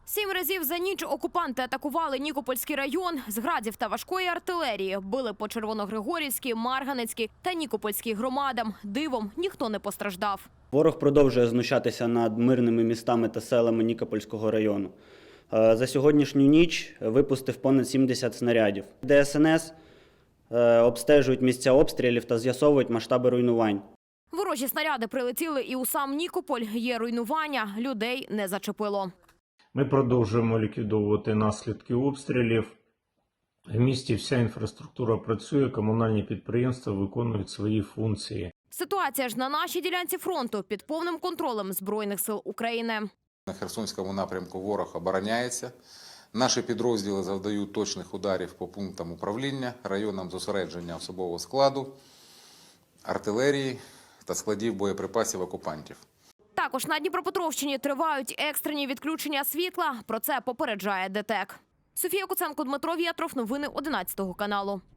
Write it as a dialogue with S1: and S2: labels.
S1: 7 разів за ніч окупанти атакували Нікопольський район. З градів та важкої артилерії били по Червоногригорівській, Марганецькій та Нікопольській громадам. Дивом ніхто не постраждав.
S2: Ворог продовжує знущатися над мирними містами та селами Нікопольського району. За сьогоднішню ніч випустив понад 70 снарядів. ДСНС обстежують місця обстрілів та з'ясовують масштаби руйнувань.
S1: Ворожі снаряди прилетіли і у сам Нікополь. Є руйнування, людей не зачепило.
S3: Ми продовжуємо ліквідовувати наслідки обстрілів. В місті вся інфраструктура працює, комунальні підприємства виконують свої функції.
S1: Ситуація ж на нашій ділянці фронту під повним контролем Збройних сил України.
S4: На Херсонському напрямку ворог обороняється. Наші підрозділи завдають точних ударів по пунктам управління, районам зосередження особового складу, артилерії та складів боєприпасів окупантів.
S1: Також на Дніпропетровщині тривають екстрені відключення світла. Про це попереджає ДТЕК. Софія Куценко, Дмитро Вєтров. Новини 11 каналу.